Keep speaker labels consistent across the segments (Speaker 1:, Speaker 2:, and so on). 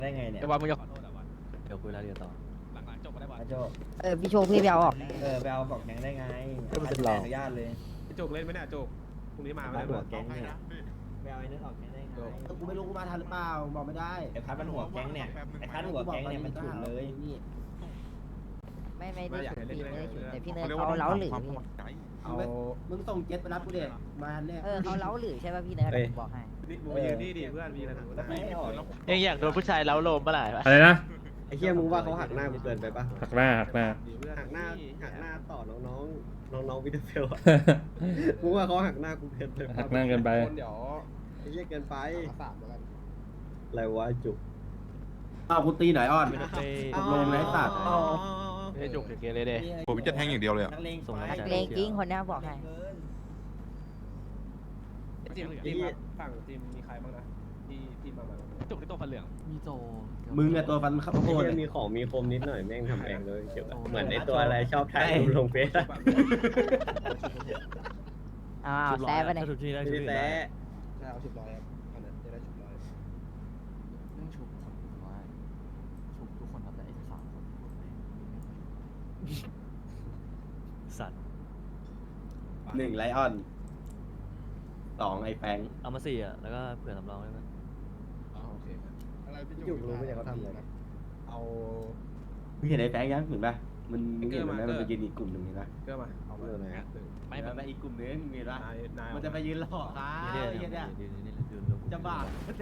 Speaker 1: ได้ไงเนี่ย
Speaker 2: ไอ้วันมึงจะขอโทษอะวัน
Speaker 3: เดี๋ยวคุยรายละเอียดต่อ
Speaker 2: หลังๆจบมาได้วัน
Speaker 1: อาโจ
Speaker 4: พี่โชคพี่ไปเอาออก
Speaker 1: ไปเอาบอกแก๊งได้ไง
Speaker 3: ก็มันเป็นเรา
Speaker 1: อนุญาตเลย
Speaker 5: ไอ้โจกเล่นไหมเนี่ยโจกพรุ่งนี้มาไหม
Speaker 1: พัด
Speaker 5: เนี่
Speaker 1: หัวย แก๊งเนี่ยไปเอาไอ้นั่นออกแก๊งได้ไง
Speaker 6: กูไม่รู้กูมาทันหรือเปล่าบอกไม่ได้
Speaker 1: ไอ้พัดมันหัวแก๊งเนี่ยไอ้พัดหัวแก๊งเนี่ยมันฉุนเลย
Speaker 6: นี่
Speaker 4: ไม่ได้ฉุดพี่ไม่ได้ฉุดแต่พี่เนยเขาเล้าหรือพี่
Speaker 5: เอา
Speaker 6: มึงส่งเจ็ตไปรับกูเด็มาเนี่ย
Speaker 4: เขาเล้าหรือใช่ป่ะพี่เนยผมบอกให้
Speaker 5: มึงมายืนนี่ดิเพื่อนมีอะไรถึง
Speaker 1: ไม่ออก
Speaker 3: ยังอยากโดนผู้ชายเล้าโลมเมื่อไหร่ปะ
Speaker 7: อะไรนะ
Speaker 8: ไอ้เหี้ยมึงว่าเขาหักหน้ากูเกินไปปะ
Speaker 7: หักหน้า
Speaker 8: หักหน้าต่อน้องวิดเฟลอะมึงว่าเขาหักหน้ากูเกินไปปะ
Speaker 7: หักหน้าเกินไป
Speaker 5: เดี๋ยว
Speaker 8: ไอ้เหี้ยเกินไป
Speaker 5: สามแล้วกัน
Speaker 8: อะไรวะจุก
Speaker 6: อ้าวกูตีหน่อยอ้อน
Speaker 3: ไม่ได้เต้
Speaker 6: ตกลงเลยสัตว์
Speaker 3: ไม่ได้จุกเกเรเลย
Speaker 9: ผมจะแทงอย่างเดียวเลยอะ
Speaker 1: นักเลง
Speaker 3: ส่งกำลัง
Speaker 4: นัก
Speaker 3: ใจ
Speaker 4: เลงกิ้งคนนี้บอกให้
Speaker 5: จิมครับฝั่งจิมมีใครบ้างนะที่มา
Speaker 2: จุกที่ตัวฟันเหลือง
Speaker 3: มีโจ
Speaker 6: มึงอะตัวฟันข้าว
Speaker 8: ไอ้
Speaker 6: โพด
Speaker 8: เหี้ยมีของมีคมนิดหน่อยแม่งทำเองเลยเกี่ยวกับเหมือนไอ้ตัวอะไรชอบถ่ายรูปลงเฟซอะ
Speaker 4: แซ่ไปไหน
Speaker 3: ชุบที่ได้
Speaker 8: ไม่
Speaker 3: ชุบ
Speaker 8: ได้
Speaker 3: ที่
Speaker 8: แซะ
Speaker 5: ใช่เอา10 ร้อยครับอันนั้นจะได้10 ร้อย
Speaker 3: เรื่องชุบคนว่าชุบทุกคนครับแต่ไอ้สามคนสัตว์
Speaker 6: 1ไลออน2ไอ้แฟง
Speaker 3: เอามา4อ่ะแล้วก็เผื่อสำรองได้ไหม
Speaker 5: โอเค
Speaker 8: จุกรู้ไหมเนี่ยเขาทำอะไรนะ
Speaker 5: เอา
Speaker 6: มึงเห็นไอ้แฟงยังเห็นปะมันเห็นมันไหมมันไปยืนอีกกลุ่มหนึ่งเห็นปะ
Speaker 5: เกลือมาเอามา
Speaker 8: เรื่องอะไรอะ
Speaker 1: ไม่
Speaker 6: มันไปอีกกลุ่มนึงเห็นปะ
Speaker 5: นาย
Speaker 6: มันจะไปยืนหลอกครับ
Speaker 3: นี่
Speaker 6: ไอ้เหี้ยเนี่ย
Speaker 3: นี่
Speaker 6: จะบ้า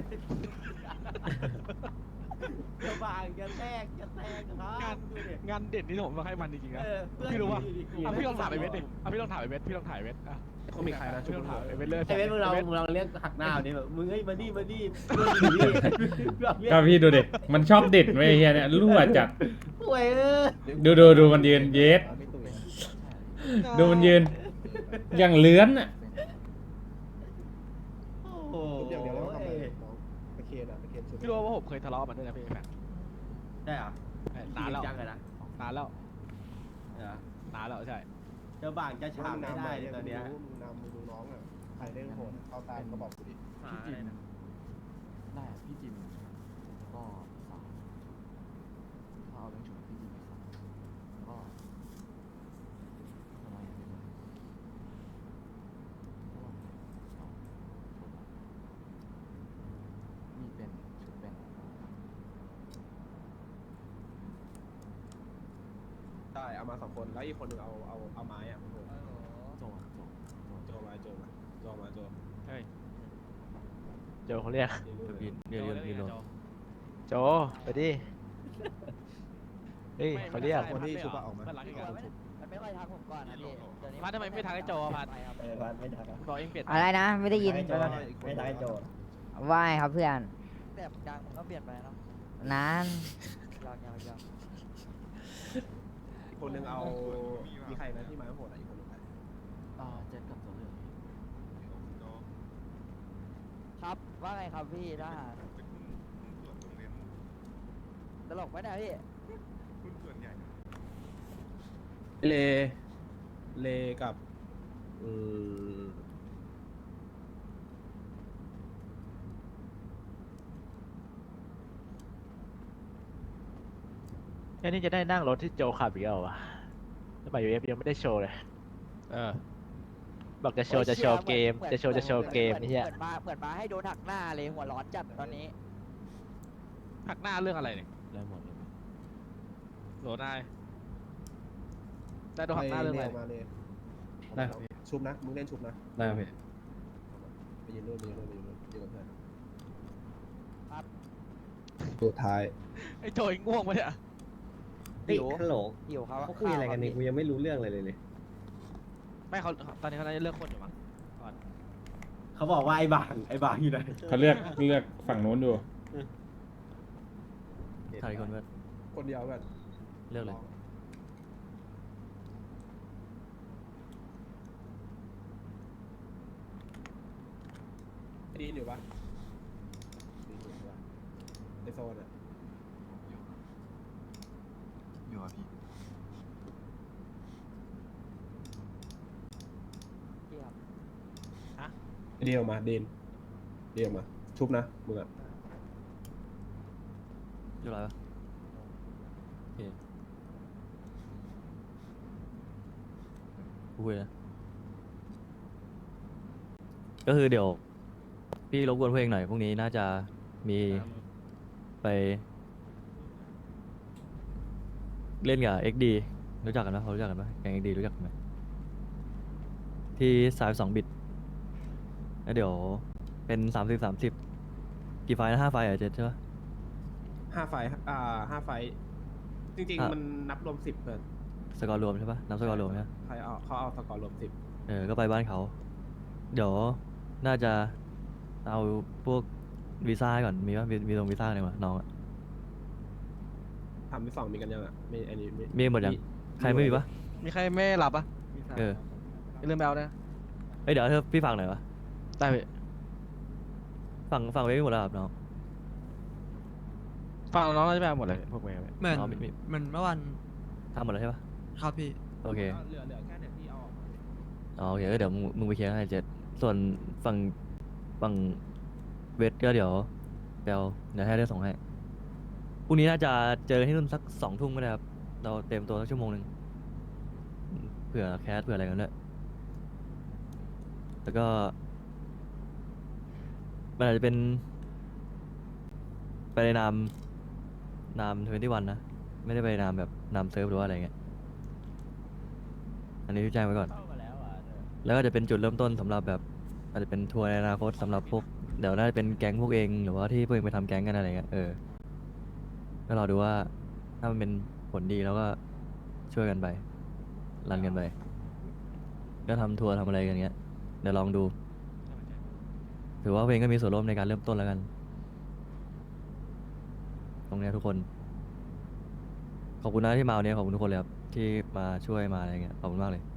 Speaker 6: จะบ้าจะแทกครับดูดิ
Speaker 2: งานเด็ดนี่ผมต้องให้มันจริงๆนะ
Speaker 6: เพื่อน
Speaker 2: พี่รู้ปะ
Speaker 6: อยู่อีกกลุ่ม
Speaker 2: พี่ลองถามไอ้เวทดิพี่ลองถามไอ้เวทพี่ลองถ่ายเวทอ่ะ
Speaker 5: เขามีใครนะ
Speaker 2: พี่ลองถามไอ้เวทเลย
Speaker 6: ไอ้เว้ยมึงเราเรียกหักหน้าดิแบบมึงเอ้ยมาดิ
Speaker 7: ก็พี่ดูดิมันชอบเด็ดไว้ไอ้เฮียเนี่ยรั่วจัด
Speaker 6: โอ้ย
Speaker 7: ดูมันยืนเย็ดดูมันยืนอย่างเลื้อนอ่ะ
Speaker 6: โอ้โห
Speaker 5: เดี๋ยวแล้วทำอะไรน้องตะเคียนอ่ะตะเคียนชุด
Speaker 2: พี่รู้ว่าผมเคยทะเลาะมันด้วยนะพี่แฟน
Speaker 6: ได้เหรอน
Speaker 2: านแล้ว
Speaker 6: จังเลยนะ
Speaker 2: นานแล้ว
Speaker 6: เหรอน
Speaker 2: านแล้วใช่
Speaker 6: เจ้าบ่างจะฉาบไม่ได้เลยตอนเนี้ย
Speaker 5: มึงนำมึงดูน้องอ่ะใครเล่นโหดเข้าตามก็บอกกูดิ
Speaker 3: พี่จิมได้พี่จิมก็สามถ้าเอาเรื่องชุบพี่จิมสามก็ทำไมมีเป็นชุดเป็น
Speaker 5: ใช่เอามา2 คนแล้วอีกคนนึงเอาไม้อ่ะ
Speaker 3: โจ
Speaker 5: โจมาโจ
Speaker 2: เฮ้ย
Speaker 3: โจเขาเรียกเดี๋ยวโจไปดิเฮ้ยเขาเรียก
Speaker 5: คนที่ชุบออกมา
Speaker 2: มันรักกัน
Speaker 4: มันไม่ค่อยทักผมก่อนนะพี่
Speaker 2: พัดทำไมไม่ทักไอ้โจพัด
Speaker 1: พัดไม่ทัก
Speaker 2: บอกเองเปลี่ยน
Speaker 4: อะไรนะไม่ได้ยิน
Speaker 1: ไม่ทักไอ้โจ
Speaker 4: ว่ายครับเพื่อน
Speaker 10: แต่กลางผมก็เปลี่ยนไปเนาะ
Speaker 4: นาน
Speaker 10: ยอม
Speaker 5: คนนึงเอามีใครนะที่ไม้โหดอ่ะอีกคนนึง
Speaker 3: เจ็ดกับโจเหลือง
Speaker 10: ครับว่าไงครับพี่ทหารตลกไหมเนี่ยพี่
Speaker 5: เลกับ
Speaker 3: แค่นี้จะได้นั่งรถที่โจขับอีกแล้ววะสมัยยูเอฟยังไม่ได้โชว์เลย บอกจะโชว์เกมจะโชว์เกมนี่ฮะ
Speaker 10: เหมือนมาให้โดนหักหน้าเลยหัวร้อนจัดตอนนี้
Speaker 2: หักหน้าเรื่องอะไรเนี่ย
Speaker 3: ได้หมดเลย
Speaker 2: โหลนายได้โดนหักหน้าเรื่องอะไร
Speaker 5: มาเลย
Speaker 7: ได้
Speaker 5: ชุบนะมึงเล่นชุบนะ
Speaker 7: ได้พี่
Speaker 5: ไปยืนนู่นยืนกับเพื่อนสุดท้าย
Speaker 2: ไอ้โจยง่วงปะเนี่ย
Speaker 8: เฮ้ยฮัลโหล
Speaker 10: หิวครับ
Speaker 8: เขาคุยอะไรกันนี่กูยังไม่รู้เรื่องอะไรเลย
Speaker 2: ไม่เขาตอนนี้เขาน่าจะเลือกคนอยู่มั้ง
Speaker 6: เขาบอกว่าไอ้บ่างอยู่ไหน
Speaker 7: เขาเลือกฝั่งนู้นอยู่
Speaker 3: ถ่ายคนเพื่อน
Speaker 5: คนเดียวแบบ
Speaker 3: เลือกเลย
Speaker 5: ดีอยู่ปะในโซนอ่ะ
Speaker 9: อยู่อะพี่
Speaker 10: พี่ครับ
Speaker 5: เดียวมาเดนมาชุบนะมึงอ่ะ
Speaker 3: รียบร้อยปะโอเคกูคุยนะก็คือเดี๋ยวพี่รบกวนเพื่อนหน่อยพรุ่งนี้น่าจะมีไปเล่นกับ XD รู้จักกันไหมเขารู้จักกันไหมแก๊ง XD รู้จักกันไหมที่32 บิตแล้วเดี๋ยวเป็น30 กี่ไฟล์นะ5 ไฟล์เหรอเจ็ดใช่ปะ
Speaker 5: 5 ไฟล์5 ไฟล์จริง
Speaker 3: อ่ะ
Speaker 5: ๆ มันนับรวม10เพื่อน
Speaker 3: สกอร์รวมใช่ปะนับสกอร์รวมใช่ปะ
Speaker 5: เขาเอาสกอร์รวม10
Speaker 3: ก็ไปบ้านเขา เดี๋ยวน่าจะเอาพวกวีซ่าให้ก่อน มีปะมีตรงวีซ่าอะไรมาน้องอะ
Speaker 5: ทำที่2มีกันยังอ่ะไม่อันนี้
Speaker 3: มีหมดยัง ใครไม่มีปะ
Speaker 2: มีใครไม่หลับอ่ะ
Speaker 3: เออ
Speaker 2: อย่าลืมไปเอานะ
Speaker 3: เอ้ยเดี๋ยวเธอพี่ฟังหน่อยวะ
Speaker 2: ได้พี่
Speaker 3: ฟังไว้ไม่หมดแล้วครับน้อง
Speaker 2: ฟังน้องเราจะไปเอาหมดเลยพวกเมย์
Speaker 11: เหมือน
Speaker 3: อ๋อมี
Speaker 11: เหมือนเมื่อวัน
Speaker 3: ทำหมดแล้วใช่ปะ
Speaker 11: ครับพี่
Speaker 3: โอเค
Speaker 5: เหลือแค่เนี่ยที่เอาออกมา
Speaker 3: อ๋อโอเคเดี๋ยวมึงไปเคลียร์ให้เจ็ดส่วนฝั่งเวทก็เดี๋ยวให้ได้ส่งให้พรุ่งนี้น่าจะเจอที่นู่นสัก2 ทุ่มก็ได้ครับ เราเต็มตัวสักชั่วโมงหนึ่งเผื่อแคสเผื่ออะไรกันด้วยแล้วก็มันอาจจะเป็นไปในนาม21นะ ไม่ได้ไปนามแบบนามเซิร์ฟหรือว่าอะไรเงี้ยอันนี้ที่แจ้งไว้ก่อน แล้วก็จะเป็นจุดเริ่มต้นสำหรับแบบอาจจะเป็นทัวร์ในอนาคตสำหรับพวกเดี๋ยวน่าจะเป็นแก๊งพวกเองหรือว่าที่พวกเองไปทำแก๊งกันอะไรเงี้ยก็รอดูว่าถ้ามันเป็นผลดีแล้วก็ช่วยกันไปรันกันไปก็ทำทัวร์ทำอะไรกันเงี้ยเดี๋ยวลองดูถือว่าพวกเองก็มีส่วนร่วมในการเริ่มต้นแล้วกัน ตรงเนี้ยทุกคนขอบคุณนะที่มาวันนี้ขอบคุณทุกคนเลยครับที่มาช่วยมาอะไรเงี้ยขอบคุณมากเลย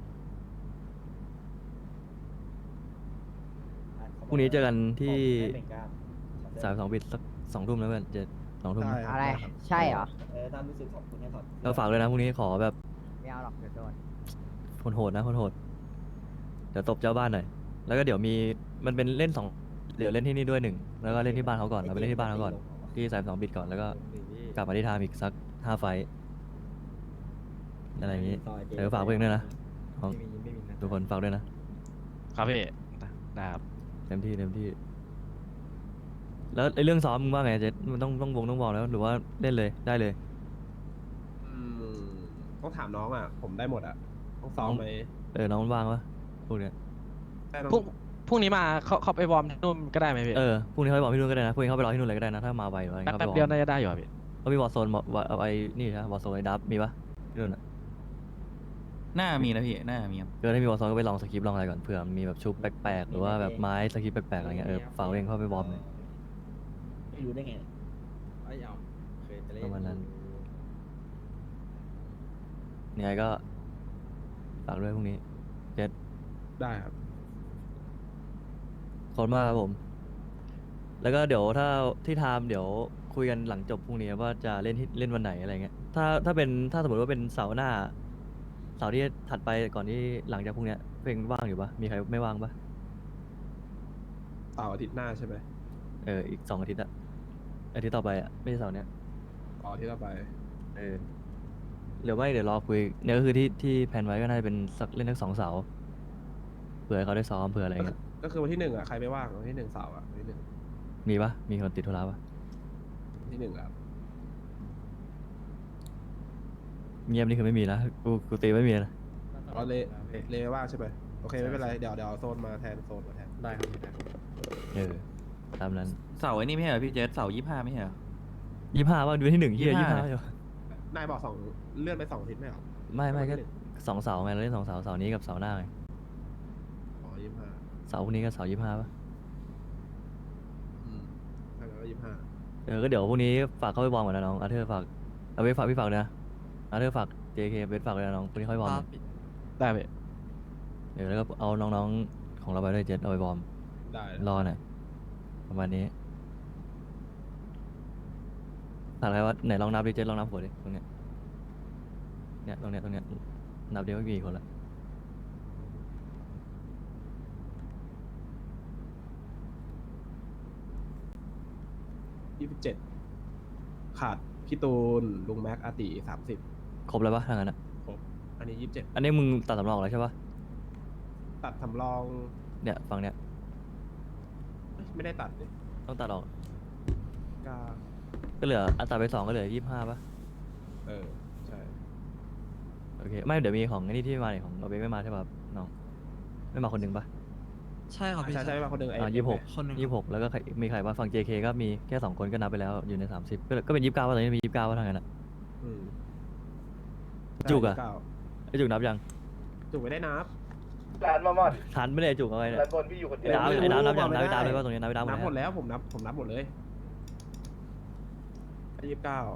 Speaker 3: พรุ่งนี้เจอกันที่32 บิตสัก2 ทุ่มแล้วเพื่อน2 ทุ่ม
Speaker 4: อะไร ใช่เหรอ
Speaker 1: ตามรู้สึกขอบคุณให้ถอด
Speaker 3: เราฝากเลยนะพรุ่งนี้ขอแบบ
Speaker 4: ไม่เอาหรอกเดี๋ยวโดน
Speaker 3: โหดๆนะโหดๆเดี๋ยวตบเจ้าบ้านหน่อยแล้วก็เดี๋ยวมีมันเป็นเล่นเดี๋ยวเล่นที่นี่ด้วย1แล้วก็เล่นที่บ้านเขาก่อนเราไปเล่นที่บ้านเขาก่อนที่32 บิตก่อนแล้วก็กลับมาที่ไทม์อีกสัก5 ไฟต์อะไรอย่างงี้เดี๋ยวฝากเพื่อนด้วยนะของทุกคนฝากด้วยนะครับ
Speaker 2: พี่ได้ครับ
Speaker 3: เต็มที่แล้วไอ้เรื่องซ้อมมึงว่าไงเจ๊มันต้องวงแล้วหรือว่าเล่นเลยได้เลย
Speaker 5: ต้องถามน้องอ่ะผมได้หมดอ่ะต้องซ้อมไหม
Speaker 3: น้องมันว่างปะพวกเนี้ย
Speaker 5: ได้น้อง
Speaker 2: พรุ่งนี้มาเขาไปวอร์มที่นู่นก็ได้ไหมพี่
Speaker 3: พรุ่งนี้เขาไปบอกพี่นุ่นก็ได้นะพรุ่งนี้เขาไปรอที่นุ่นเลยก็ได้นะถ้ามาไวหรืออะไร
Speaker 2: แป๊บเดียวน่าจะได้อยู่อะพี่
Speaker 3: เขามีวอร์โซนเอาไอ้นี่นะวอร์โซนไอ้ดับมีปะที่นุ่นอะ
Speaker 11: น่ามีนะพี่น่ามีครับ
Speaker 3: ถ้ามีวอร์โซนก็ไปลองสคริปต์ลองอะไรก่อนเผื่อมีแบบชุบแปลกๆหรือว่าแบบไม้สคริปต์แปลกๆอะไรเงี้ยฝากเองเข้าไปวอร์มเลย
Speaker 1: ไม่รู้ได้ไง
Speaker 3: ประมาณนั้นยังไงก็ฝากด้วยพรุ่งนี้เจ็ด
Speaker 5: ได้ครับ
Speaker 3: ขอบคุณมากครับผม แล้วก็เดี๋ยวถ้าที่ไทม์เดี๋ยวคุยกันหลังจบพรุ่งนี้ว่าจะเล่นวันไหนอะไรเงี้ยถ้าสมมติว่าเป็นเสาร์หน้าเสาร์ที่ถัดไปก่อนที่หลังจากพรุ่งเนี้ยเพลงว่างอยู่ปะมีใครไม่ว่างปะ
Speaker 5: เสาร์อาทิตย์หน้าใช่ไหม
Speaker 3: อีก2 อาทิตย์อะอาทิตย์ต่อไปอะไม่ใช่เสาร์เนี้ย
Speaker 5: อ๋อที่เราไป
Speaker 3: หรือไม่เดี๋ยวรอคุยเนี่ยก็คือที่แผนไว้ก็น่าจะเป็นเล่นทั้ง2 เสาร์เผื่อให้เขาได้ซ้อมเผื่ออะไรเงี้ย
Speaker 5: ก็คือวันที่1อ่ะใครไม่ว่างวันที่1เสาร์อ่ะวันที่1
Speaker 3: มีปะมีคนติดธุระปะ
Speaker 5: วันที่1ครับ
Speaker 3: เงียบนี่คือไม่มีนะกูตีไม่มีนะ
Speaker 5: อ๋อเลว่างใช่ไหมโอเคไม่เป็นไรเดี๋ยวเอาโซนมาแทนได้ครับ
Speaker 3: ตามนั้น
Speaker 11: เสาร์ไอ้นี่ไม่ใช่เหรอพี่เจสเสาร์25ไม่ใช่เหรอ
Speaker 3: 25ว่าดูที่1ที่25
Speaker 5: นายบอกเลื่อนไป2 อาทิตย์ไม่เหรอ
Speaker 3: ไม่ก็2 เสาร์ไงเราเล่น2 เสาร์เสาร์นี้กับเสาร์หน้าไง
Speaker 5: อ๋อ25
Speaker 3: เสาร์พรุ่งนี้กับเสาร์25ป่ะ
Speaker 5: แล้วก็25
Speaker 3: ก็เดี๋ยวพรุ่งนี้ฝากเข้าไปวอร์มก่อนนะน้องอาเธอร์ฝากเอาไว้ฝากพี่ฝากด้วยนะอาเธอร์ฝาก JK เวทฝากเลยนะน้องพรุ่งนี้ค่อยวอร์มหน่อย
Speaker 2: ได้พี่
Speaker 3: แล้วก็เอาน้องๆของเราไปด้วยเจ็ดเอาไปวอร์ม
Speaker 5: ได้
Speaker 3: รอหน่อยประมาณนี้ถามอะไรว่าไหนลองนับดิเจ็ดลองนับหัวดิตรงเนี้ยตรงเนี้ยนับเดียวไม่มีกี่คนละ
Speaker 5: 27ขาดพี่พี่ตูนลุงแม็กอาติ30
Speaker 3: ครบแล้วปะทางนั้นอะ
Speaker 5: ครบอันนี้27
Speaker 3: อันนี้มึงตัดสำรองแล้วใช่ปะ
Speaker 5: ตัดสำรอง
Speaker 3: เนี่ยฝั่งเนี้ย
Speaker 5: ไม่ได้ตัดดิ
Speaker 3: ต้องตัดออก
Speaker 5: ก็
Speaker 3: ก็เหลืออัตราไป2ก็เหลือ25ปะ
Speaker 5: ใช่
Speaker 3: โอเคไม่เดี๋ยวมีของไอ้นี่ที่มาเนี่ยของเราเบคไม่มาใช่ปะครับน้องไม่มาคนหนึ่งปะ
Speaker 5: ใช่ครับใช่มาคนหนึ่ง
Speaker 3: 26แล้วก็ใครมีใครบ้างฝั่ง JK ก็มีแค่2คนก็นับไปแล้วอยู่ใน30ก็เป็น29ว่าตอนนี้มี29ว่าทางนั้นอะ
Speaker 5: อืม
Speaker 3: จุกอะ
Speaker 5: ใช่
Speaker 3: ไอจุกนับยัง
Speaker 5: จุกไม่ได้นับ
Speaker 3: ทันไม่ได้จุกเอาไว้เนี่ยไอ้ดาวนับยังนับไอ้ดาวเลยว่าตรงนี้นับไอ้ดาว
Speaker 5: นับหมด
Speaker 3: แล้ว
Speaker 5: แล้วผมนับหมดเลย29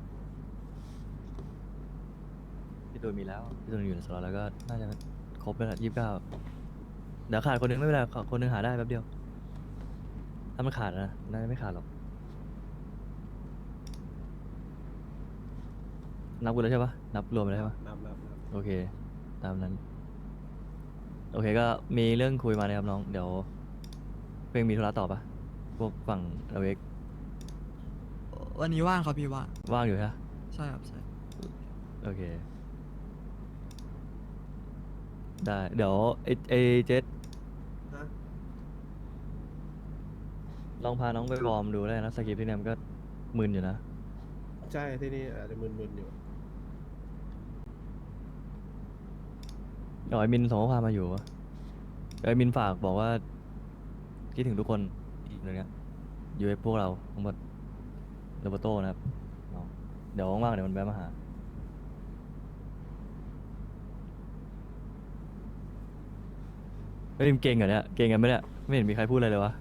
Speaker 3: พี่ตูนมีแล้วพี่ตูนอยู่ในสล็อตแล้วก็น่าจะครบไปแล้ว29เดี๋ยวขาดคนหนึงไม่เป็นไรคนหนึงหาได้แป๊บเดียวถ้ามันขาดนะน่าจะไม่ขาดหรอกนับกูแล้วใช่ปะนับรวมไปแล้วใช่ปะ
Speaker 5: นับ
Speaker 3: โอเคตามนั้นโอเคก็มีเรื่องคุยมานะครับน้องเดี๋ยวเพลงมีธุระต่อปะพวกฝั่งเราเอก
Speaker 12: วันนี้ว่างครับพี่ว่าง
Speaker 3: อยู่ใช่ปะ
Speaker 12: ใช่ครับใช่
Speaker 3: โอเคได้เดี๋ยวไอเจสลองพาน้องไปวอร์มดูได้นะสกิปที่เนี่ยมันก็มึนอยู่นะ
Speaker 5: ใช่ที่นี่อาจจะมึนๆอยู่
Speaker 3: เดี๋ยวไอมินส่งข้อความมาอยู่วะเดี๋ยวไอมินฝากบอกว่าคิดถึงทุกคนอย่างเงี้ยอยู่ไอพวกเราทั้งหมดโรเบโต้นะครับน้องเดี๋ยวว่างๆเดี๋ยวมันแวะมาหาเฮ้ยมึงเก่งเหรอเนี่ยเก่งกันไหมเนี่ยไม่เห็นมีใครพูดอะไรเลยวะ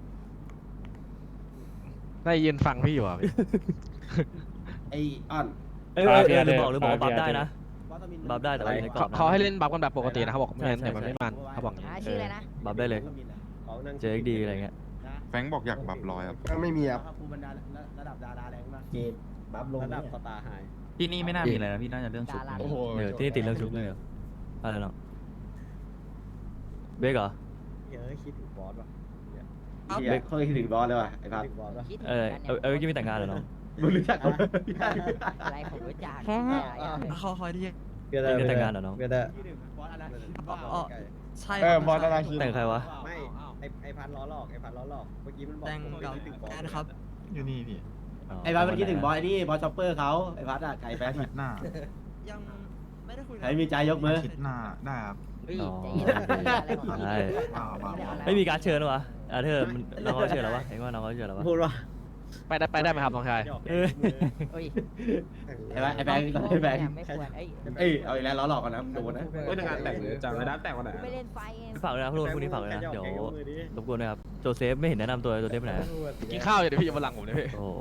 Speaker 2: ได้ยืนฟังพี่อยู่อ่ะพี่
Speaker 6: ไอออน
Speaker 3: เออหรือบอกว่าบัฟได้นะบัฟได้แต่ว่าอยู่ในกรอบนะ
Speaker 2: เขาให้เล่นบัฟกันแบบปกตินะเขาบอกไม่งั้นเดี๋ยวมันไม่มันเขาบอกอย่างนี้
Speaker 4: ชื่ออะไรนะ
Speaker 3: บัฟได้เลย
Speaker 8: เขานั่ง
Speaker 3: JXD อะไรเงี้ย
Speaker 9: แฟงบอกอยากบับร้อยครับ
Speaker 6: ก็ไม่มีครับ
Speaker 1: ครูบรรดาระดับดาราแรงมาก
Speaker 6: เกมบัฟลง
Speaker 8: ระดับ
Speaker 6: เนี่ย
Speaker 8: สตาร์ไฮ
Speaker 11: ที่นี่ไม่น่ามีอะไรนะพี่น่าจะเรื่องชุด
Speaker 4: ดารา
Speaker 5: โอ้โห
Speaker 3: ที่นี่ติดเรื่องชุบเลยเหรออะไรเนาะเบกเหรอ
Speaker 8: เฮ้ยคิดถึงบอสว่ะ
Speaker 6: เฮียเขาคิดถึงบอสเลยว่ะไอ้พัด
Speaker 8: คิดถึงบอสว่ะ
Speaker 4: คิดถึง
Speaker 3: เออ
Speaker 4: กัน
Speaker 3: เออไม่แต่งงานเหรอน้อง
Speaker 6: มึงรู้จักเขาไหม
Speaker 4: อะไรผมรู้จัก
Speaker 12: เขาคอยที่
Speaker 8: เพื่อน
Speaker 3: ไม่แต่งงานเหรอน้อง
Speaker 8: เพื่อนได้
Speaker 1: บอสอะไร
Speaker 12: อ๋อใช่
Speaker 9: บอลอะไรคิด
Speaker 3: แต่งใครวะ
Speaker 8: ไม่ไอพันล้อหลอกเมื่อกี้มันบอก
Speaker 12: แต่ง
Speaker 8: ผม
Speaker 12: กับ
Speaker 8: คิดถึงบอส
Speaker 12: แอนครับ
Speaker 9: อยู่นี่พี่
Speaker 6: ไอ้พัดมันคิดถึงบอสไอ้นี่บอสช็อปเปอร์เขาไอ้พัดอะไก่แป๊ก
Speaker 9: อาทิตย์หน้า
Speaker 12: ยังไม่ได้คุย
Speaker 6: ใครมีใจยกมือ
Speaker 9: อาทิตย์หน้าได้ครับ
Speaker 4: เฮ้ย
Speaker 3: อ๋อ
Speaker 4: ใจเย็นอะไรของเขา
Speaker 3: ใช่ ไม่มีการเชิญหรอวะเธอน้องเขาเชิญแล้ววะเห็นว่าน้องเขาเชิญแล้ววะ
Speaker 8: พูดว่า
Speaker 2: ไปได้ไหมครับน้องชาย
Speaker 3: เออ
Speaker 4: เฮ้ย
Speaker 6: ไอ้แบงค์ไอ้แบงค์ไอ้แบงค์
Speaker 4: ไม่ควรเอ้ย
Speaker 6: เอ้ยเอาอีกแล้วล้อหลอกกันนะโดนนะ
Speaker 5: เฮ้ยในงานแต่งเลยจังเลยนะแต่งวันไหน
Speaker 4: ไม่เล่นไฟไง
Speaker 3: ฝากเลยนะพวกนี้ฝากเลยนะเดี๋ยวรบกวนด้วยครับโจเซฟไม่เห็นแนะนำตัวโจเซฟไปไหน
Speaker 2: กินข้าวอยู่เดี๋ยวพี่จะมาหลังผมเลยพี่
Speaker 3: โอ้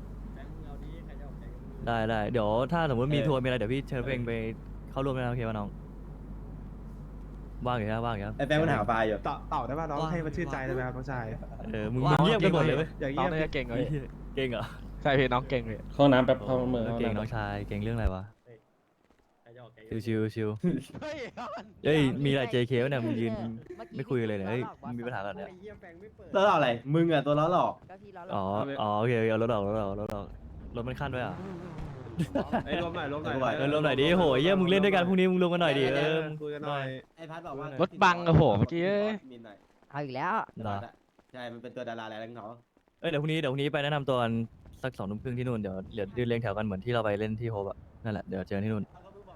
Speaker 3: ได้เดี๋ยวถ้าสมมติมีทัวร์มีอะไรเดี๋ยวพี่เชิญเพลงไปเข้าร่วมด้วยนะโอเคป่ะน้องว่างอยู่ครับว่างอยู่ครับ
Speaker 6: ไอ้แบงค์มันหาปลาอยู่
Speaker 5: ต่อได้ป่ะน้องให้มันชื่นใจได้ไหมครับน้องชาย
Speaker 3: มึงเงียบกันหมดเลยเว้ย
Speaker 5: อย่าง
Speaker 2: น้อ
Speaker 5: เงี้
Speaker 2: ง
Speaker 5: ย
Speaker 2: น่าจะเก่งเลย
Speaker 3: เก่งเหรอ
Speaker 2: ใช่พี่น้องเก่งเลย
Speaker 7: เข้าน้ำแป๊บเข้ามือเข้า
Speaker 3: เก่ง
Speaker 7: น้ำ
Speaker 3: น้องชายเก่งเรื่องอะไรวะชิว
Speaker 2: เฮ้ย
Speaker 3: เฮ้ยมีอะไร JK วะเนี่ยมึงยืนไม่คุยเลยเนี่ยเฮ้ยมึงมีปัญหากันเนี่ย
Speaker 6: ล้อหลอกอะไรมึงอะตัวล้อหลอก
Speaker 4: ก็ที่เรา
Speaker 3: อ๋อโอเคเอารถออกรถมันขั้นไว้อ่ะ
Speaker 5: ไอ้รวมหน่อย
Speaker 3: รวมหน่อยดิโหเยี่ยมึงเล่นด้วยกันพรุ่งนี้มึงรวมกันหน่อยดิ
Speaker 5: คุยกันหน่อย
Speaker 6: ไอ้พัดบอกว่าร
Speaker 2: ถบังอะโหเมื่อกี้
Speaker 6: มีหน่อย
Speaker 4: เอาอีกแล้ว
Speaker 6: ใช่มันเป็นตัวดาราอะไรของเขา
Speaker 3: เดี๋ยวพรุ่งนี้ไปแนะนำตัวกันสัก2 ทุ่มครึ่งที่นู่นเดี๋ยวยืนเรียงแถวกันเหมือนที่เราไปเล่นที่โฮปอ่ะนั่นแหละเดี๋ยวเจอกันที่นู่น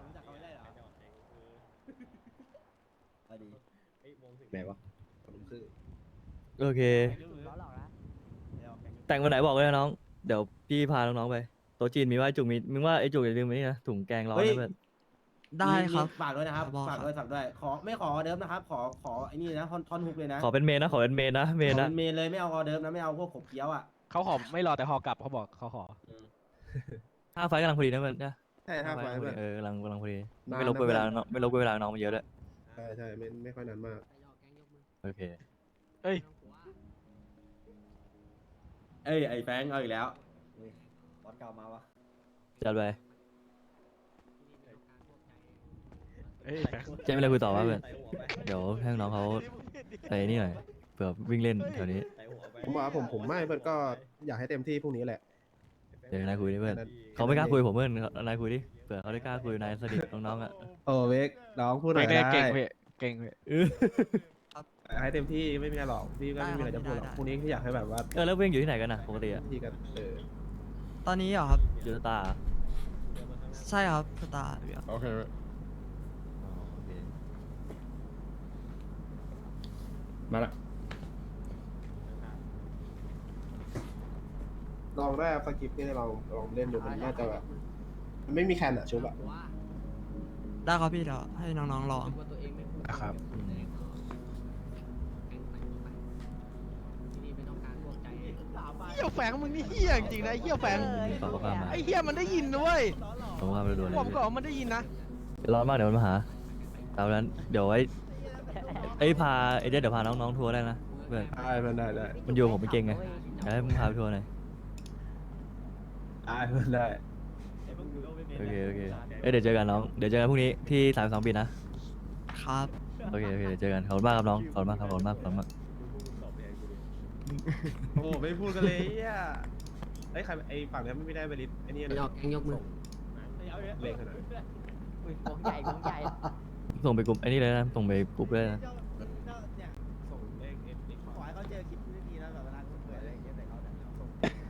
Speaker 8: ไหนวะ
Speaker 3: โอเค
Speaker 4: ล้อหลอกนะ
Speaker 3: แต่งวันไหนบอกเลยนะน้องเดี๋ยวพี่พาน้องๆไปโต๊ะจีนมีว่าไอ้จุกมีมึงว่าไอ้จุกอย่าลืมไอ้นี่นะถุงแกงร้อนนะเพื่อน
Speaker 12: ได้ครับ
Speaker 6: ฝากด้วยนะครับ
Speaker 12: บอก
Speaker 6: ฝากด้วยขอไม่ขอออเดิร์ฟนะครับขอไอ้นี่นะท่อนฮุกเลยนะ
Speaker 3: ขอเป็นเมนนะขอเป็นเมนนะ
Speaker 6: ขอเป็นเมนเลยไม่เอาออเดิร์ฟนะไม่เอาพวกขบเคี้ยวอ่ะ
Speaker 2: เขาขอไม่รอแต่หอกลับเขาบอกเขาขอ
Speaker 3: 5 ไฟล์กำลังพอดีนะเพื่อนนะ
Speaker 5: ใช่5 ไฟล์
Speaker 3: พอ
Speaker 5: เพื่
Speaker 3: ดี
Speaker 5: อน
Speaker 3: กำลังพอดี
Speaker 5: นาน
Speaker 3: ไม่รบกวนเวลาน้องไม่รบกวนเวลาน้องมาเยอะด้วย
Speaker 5: ใช่ไม่ค่อยนานมาก
Speaker 3: โอเค
Speaker 2: เอ้ย
Speaker 6: เอ้ยไอ้แฟงเอาอีกแล้วบอสเก่ามาวะ
Speaker 3: จัดไป
Speaker 2: เอ้ย
Speaker 3: เจ๊ไม่เลยคุยต่อว่าเพื่อนเดี๋ยวให้น้องเขาไปนี่หน่อยเผื่อวิ่งเล่นแถวนี้
Speaker 5: ผมว่าผมไม่เพื่อนก็อยากให้เต็มที่พรุ่งนี้แหละ
Speaker 3: เดี๋ยวนายคุยดิเพื่อนเขาไม่กล้าคุยผมเพื่อนนายคุยดิเผื่อเขาได้กล้าคุยนายสนิทน้องๆอ่ะ
Speaker 5: โอ้เวกน้องพูดหน่อย
Speaker 2: เก่ง
Speaker 5: ได้
Speaker 2: เก่งพี่เก่งพี่
Speaker 5: ให้เต็มที่ไม่มีอะไรหรอกพี่ก็ไม่มีอะไรจะพูดหรอกพรุ่งนี้แค่อยากให้แบบว่า
Speaker 3: แล้วเพื่อนอยู่ที่ไหนกันนะปกติอ่ะ
Speaker 5: พี่กัน
Speaker 12: ตอนนี้เหรอครับ
Speaker 3: อยู่สตาร์
Speaker 12: ใช่ครับสตาร์
Speaker 7: โอเค มาละ
Speaker 5: ลองได้สกิปนี่ลองเล่นดูมันน่าจะแบบมันไม่มีแคนอะชุบอะ
Speaker 12: ได้ครับพี่เดี๋ยวให้น้องๆลอง
Speaker 5: นะครับ
Speaker 2: เฮียแฝงมึงนี่เฮียจริงๆนะไอ้เฮียแฝง
Speaker 3: ฝากข้อความมา
Speaker 2: ไอ้เฮียมันได้ยินนะเว้ย
Speaker 3: ส่งข้อความไปด่วนเลย
Speaker 2: ผมก็บอกมันได้ยินนะ
Speaker 3: เดี๋ยวร้อนมากเดี๋ยวมันมาหาตามนั้นเดี๋ยวไว้พาเดี๋ยวพาน้องๆทัวร์ได้นะเพื่อน
Speaker 5: ได้
Speaker 3: มันอยู่ผมไม่เก่งไงอยากให้มึงพาไปทัวร์หน่อย
Speaker 5: ได้
Speaker 3: โอเคเดี๋ยวเจอกันน้องเดี๋ยวเจอกันพรุ่งนี้ที่32 ปีนะครับ โอเคเดี๋ยวเจอกันขอบคุณมากครับน้องขอบคุณมากครับขอบคุณมาก
Speaker 5: โอ้ไม่พูดกันเลยอ่ะไอ้ใครไอ้ฝั่งนี้ไม่ได้ไปลิสไอ้นี่นะยกมือเล็กขนาด
Speaker 10: อุ้ยวงใหญ่วงใหญ่
Speaker 3: ส่งไปกลุ่มไอ้นี่เลยนะส่งไปกลุ่มเลยนะ
Speaker 1: เนี่ยส่งเลขขอให้เขาเจอคลิปที่ดีนะแบบเวลาเขาเปิดอะไรอย่างเงี้ยแต่เขาเนี่ยส่ง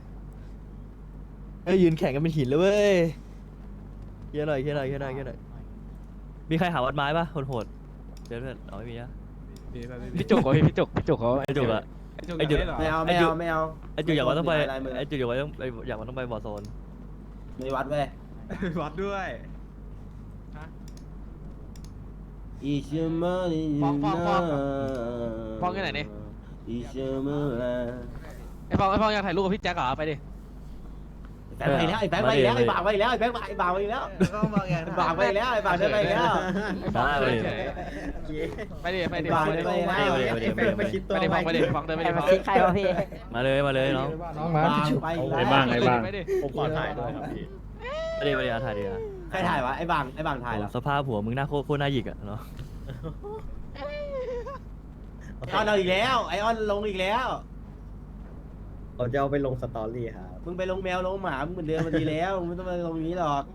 Speaker 3: เอ้ยยืนแข่งกันเป็นหินเลยเว้ยเฮียหน่อยมีใครหาวัดไม้ปะโหดเดี๋ยวเพื่อนเอาไม่มีนะ
Speaker 2: พี่จุกเหรอพี่จุกเขา
Speaker 3: ไอ้จุกอะ
Speaker 5: ไอ้จุด
Speaker 6: ไม่เอา
Speaker 3: ไอ้จุกอยากว่าต้องไป
Speaker 6: ลายมือ
Speaker 3: ไอ้จุกอยากว่าต้องไปบอร์โซน
Speaker 6: มีวัดเว้ย
Speaker 5: วัดด้วย
Speaker 6: อีเชมาลี
Speaker 2: ฟ้องที่ไหนนี่
Speaker 6: อีเชมาลา
Speaker 2: ไอ้ฟองอยากถ่ายรูปกับพี่แจ็คเหรอไปดิ
Speaker 6: แบงค์ไปแล้วไอ้แบงค์ไปแล้วไอ้บ่าวไปแล้วไอ้แบงค์ไอ้บ่าวไปแล้ว
Speaker 1: ก็มาไง
Speaker 6: ไอ้บ่าวไปแล้วไอ้บ่าวเดินไปแล้ว
Speaker 3: ได้เลย
Speaker 2: ไปดิ
Speaker 6: ไอ้บ่าวเดินไปแล้ว
Speaker 2: ไปดิฟังเดินไป
Speaker 4: ใคร
Speaker 2: ดิ
Speaker 4: มา
Speaker 2: ฟัง
Speaker 4: คิดใครวะพี่
Speaker 3: มาเลยน้อง
Speaker 7: น้องมา
Speaker 6: บ่าวไปแล้ว
Speaker 7: ไอ้บ้างไอ้บ้าง
Speaker 2: ไปดิ
Speaker 7: ผมขอถ่ายด้วยครับพี่
Speaker 3: ไม่ได้ถ่ายดีอะ
Speaker 6: ใครถ่ายวะไอ้บ่าวถ่ายเหรอ
Speaker 3: สภาพหัวมึงหน้าโคตรน่าหยิกอะเนาะ
Speaker 6: ไอออนเอาอีกแล้วไอออนลงอีกแล้ว
Speaker 8: เราจะเอาไปลงสตอรี่ครับ
Speaker 6: มึงไปลงแมวลงหมามึงเหมือนเดิมมาดีแล้วมึงไม่ต้องมาลงนี้หรอก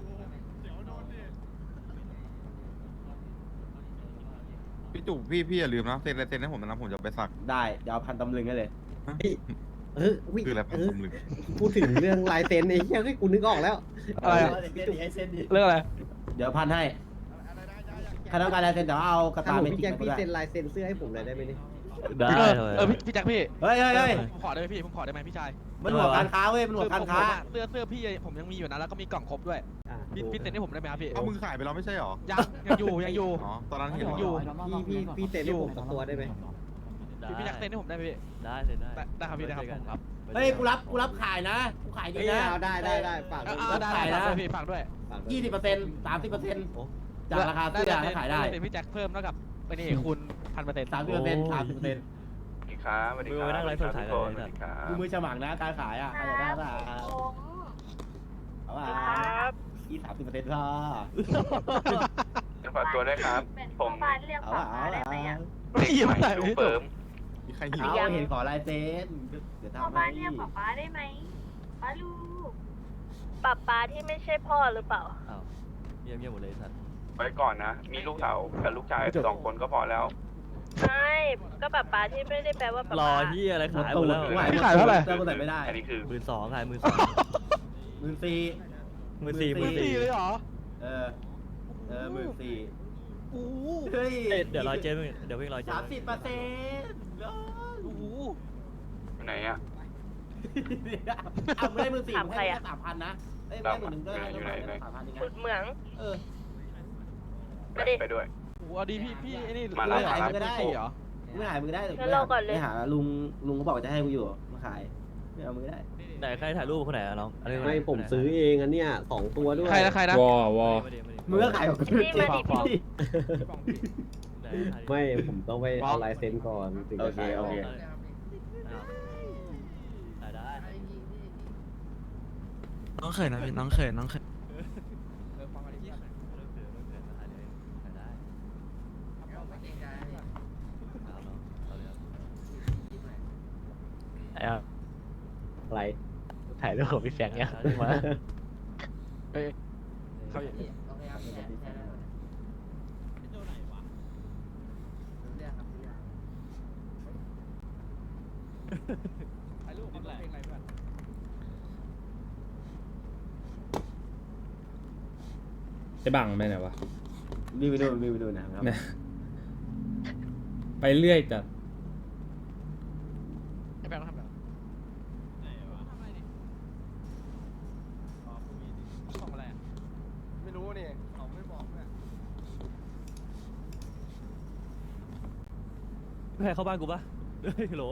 Speaker 9: พี่จุกพี่อย่าลืมนะเซ็นลายเซ็นให้ผมนะผมจะไปสัก
Speaker 6: ได้เดี๋ยวเอาพันตำลึงให้เลย
Speaker 9: คืออะไรพันตำลึง
Speaker 8: พูดถึงเรื่องลายเซ็นไอ้เหี้ยให้กูนึกออกแล้ว
Speaker 2: อะไรเรื่องอะไร
Speaker 6: เดี๋ยวพันให้ถ้าต้องการลายเซ็นเดี๋ยวเอากระ
Speaker 8: ถ้า
Speaker 6: ตา
Speaker 8: ผม
Speaker 6: เมจิ
Speaker 8: พี่
Speaker 6: ก
Speaker 8: แจ็ค
Speaker 6: มา
Speaker 8: พี่
Speaker 6: ด้วย
Speaker 8: เซ็นลายเซ็นเสื้อให้ผมหน่อยได้ไหมเนี่ย
Speaker 3: ได้
Speaker 2: พี่แจ็คพี่
Speaker 6: เฮ้ย
Speaker 2: ผมขอได้ไหมพี่ผมขอได้ไหมพี่ชาย
Speaker 6: มันหัวการค้าเว้ยมันหัวการค้า
Speaker 2: เสื้อพี่ผมยังมีอยู่นะแล้วก็มีกล่องครบด้วยพี่เซ็นให้ผมได้ไหมครับพี่
Speaker 9: เอามึงขายไปแล้วไม่ใช่หรอ
Speaker 2: ยังอยู่
Speaker 9: อ๋อตอนนั้นเห็น
Speaker 2: อยู่
Speaker 8: พี่เซ็นให้ผมสักตัวได้ไหม
Speaker 2: พี่แจ็คเซ็นให้ผมได้ไหมพี่
Speaker 3: ได้
Speaker 2: ได้ครับพี่ได้ครับ
Speaker 6: เฮ้ยกูรับขายนะกูขายดีนะ
Speaker 8: ได้ฝาก
Speaker 2: ได้พี่ฝากด้วย
Speaker 6: 20% 30%จากราคาเสื้อถ้าขายได้
Speaker 2: พี่แจ็คเพิ่มเท่ากับไปนี่คูณ1,000%
Speaker 6: 30%
Speaker 3: ครับมือไปนั่งไลฟ์สดถ่ายกันเลยนะ
Speaker 6: กูมือฉมังนะการขายอ่ะใครอยากได้ป่ะเอาป่ะ30%พอ
Speaker 9: ฝากตัวด้วยครับผม
Speaker 6: เอาป่ะเอาป่ะ
Speaker 2: ไม่หยิบใส่ไม่ถูก
Speaker 9: มีใครหิว
Speaker 6: เอาเห็นขอลายเซ็นเดี๋ยวทำให้
Speaker 13: ป๊าได้ไหมป๊าลูกป๊าที่ไม่ใช่พ่อหรือเปล่า
Speaker 3: อ้าวเงียบหมดเลยสัตว์
Speaker 9: ไปก่อนนะ มีลูกสาวกับลูกชาย2 คนก็พอแล้ว
Speaker 13: ไม่ก็ป๊าที่ไม่ได้แปลว่าป๊าร
Speaker 3: อที่อะไรขายหมดแล้ว
Speaker 2: พี่ขายเท่าไหร่
Speaker 6: เสื้อกูใส่ไม่ได้
Speaker 9: อันนี้คือ
Speaker 3: 12,000ขาย14,000
Speaker 6: 14,000
Speaker 2: เลยเหรอ
Speaker 6: เออ14,000
Speaker 2: โอ้โห
Speaker 6: เฮ้ย
Speaker 3: เดี๋ยวรอเจ๊เดี๋ยวเพิ่งรอเจ๊
Speaker 6: 30%
Speaker 2: โอ้โห
Speaker 9: ไหนอ่ะ
Speaker 6: เอาไม่ได้14,000
Speaker 13: ถามใครอะ
Speaker 6: ให้3,000นะเอ้ยไม่ได้1,000ก็ได้
Speaker 9: อยู่ไหน
Speaker 6: 3,000ยังไง
Speaker 13: ขุดเหมือง
Speaker 6: เออ
Speaker 9: ไปด้วย
Speaker 2: โอ้โหเอาดีพี่ไอ้นี่
Speaker 9: มาแล้ว
Speaker 2: ขาย
Speaker 6: ก็ได้
Speaker 2: 4เหรอ
Speaker 6: ไม่ขายมือได้
Speaker 13: งั้นรอก่อนเลย
Speaker 6: ไม่หาลุงก็บอกจะให้กูอยู่มาขายไม่เอามือได้
Speaker 3: ไหนใครถ่ายรูปคนไหนอะน้องอันนี้
Speaker 8: ไม่ผมซื้อเองอันเนี้ย2 ตัวด้วย
Speaker 2: ใครนะ
Speaker 7: วอ
Speaker 6: มือก็ขายของกู
Speaker 13: นี่มาดิพี่
Speaker 8: ไม่ผมต้องไปเอาลายเซ็นก่อนถึงจะขายออก
Speaker 3: ได้
Speaker 12: น้องเขินนะพี่น้องเขิน
Speaker 8: อะไร
Speaker 2: ถ่ายดูมีเสียงเงี้ยมาเฮ้ยเขาอยู่
Speaker 1: ถ่ายรูปเอาเพลงอะไรเพื่อน
Speaker 7: ไอ้บังไปไหนวะ
Speaker 6: รีบไปดูนะครับ
Speaker 7: เนี่ยไปเรื่อยจัด
Speaker 2: ไอ้แบงค์ทำแบบ
Speaker 1: ส่งอะไรอ่ะไม่รู้นี่เขาไม่บอกเนี่ย
Speaker 3: ใครเข้าบ้านกูปะเฮ้ยโหล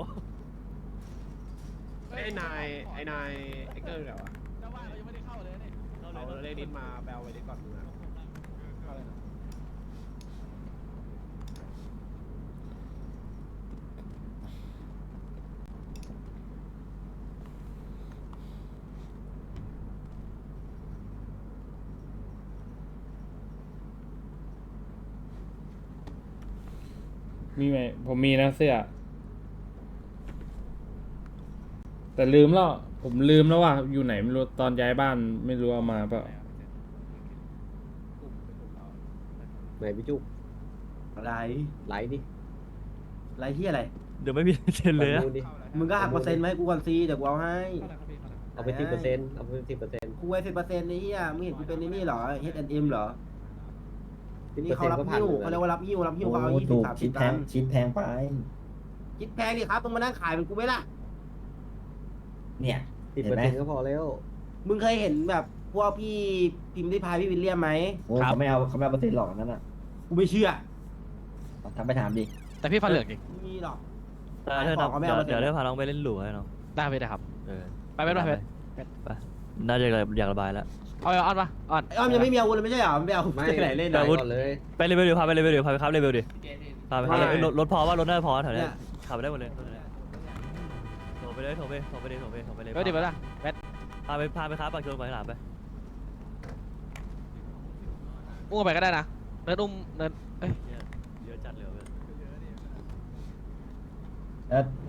Speaker 5: ไอ้นายไอ้เกอร์เหรอวะ
Speaker 1: เจ้าบ้านเรายังไม่ได้เข้าเลยนี่
Speaker 5: เอาเลขนิดมาแปลไว้ดิก่อนมึงอะ
Speaker 1: เข้าเลยนะ
Speaker 7: มีไหมผมมีนะเสื้อ แต่ลืมแล้ว ผมลืมแล้วว่าอยู่ไหนไม่รู้ตอนย้ายบ้านไม่รู้เอามาเปล่า
Speaker 8: ไหนพี่จุก
Speaker 6: อะไร
Speaker 8: ไลฟ์ดิ
Speaker 6: อะไรที่อะไร
Speaker 3: เดี๋ยวไม่มีเซ็นเลยอะ
Speaker 8: ดูดิ
Speaker 6: มึงก็หักเปอร์เซ็นต์มาให้กูก่อนซีเดี๋ยวกูเอาให้
Speaker 8: เอาไป10%เอาไป10%
Speaker 6: กูไว้10%นี่อ่ะมึงเห็นกูเป็นนี่เหรอ H&M เหรอนี่เขารับ
Speaker 8: ก็ผ่าน
Speaker 6: หิ้ว
Speaker 8: เหมือนกัน
Speaker 6: เขาเรียกว่ารับหิ้วเขาเอา20-30ตังค์ชิ้นแพงดิครับมึงมานั่งขายเป็นกูไหมล่ะ เนี่ย
Speaker 8: 10%ก็พอแล้ว
Speaker 6: มึงเคยเห็นแบบพวกพี่พิมพ์ริพายพี่วิลเลียมไหม
Speaker 2: ครับ
Speaker 6: เขาไม่เอาเปอร์เซ็นต์หรอกนั่นอ่ะกูไม่เชื่อทำไปถามดิ
Speaker 2: แต่พี่ฟันเหลืองจริง
Speaker 6: ไม่มีหรอก
Speaker 3: เธอ
Speaker 6: เขาไม่เอา
Speaker 3: เดี๋ยวเธอพาน้องไปเล่นหลูให้น้อง
Speaker 2: ได้ไปได้ครับ
Speaker 3: เออ
Speaker 2: ไปไปไป
Speaker 3: ไปน่าจะอยากระบายแล้ว
Speaker 2: เอาออนปะออน
Speaker 6: ไอ้อ้อมยังไม่มีอาวุธเลยไม่ใช่เหรอไม่เอา
Speaker 8: ไม่
Speaker 6: ที่ไหนเล่น
Speaker 8: แต่
Speaker 6: อ่ะ
Speaker 8: ก่อนเลย
Speaker 3: ไปเลเวลเดียวพาไปเลเวลเดียวพาไปครับเลเวลดิพาไปครับ
Speaker 5: ไม่
Speaker 3: รถพอว่ารถน่าจะพอแถว
Speaker 6: เนี่
Speaker 3: เนี้
Speaker 6: ย
Speaker 3: ยขับไปได้หมดเลยโถไปเลยโถไปเลย
Speaker 2: เฮ้ยเดี๋ยวไปละแบท
Speaker 3: พาไปครับปากชนไปหลามไป
Speaker 2: อุ้มไปก็ได้นะเนินอุ้มเนินเอ้ย
Speaker 3: เยอะจัดเลย
Speaker 6: เ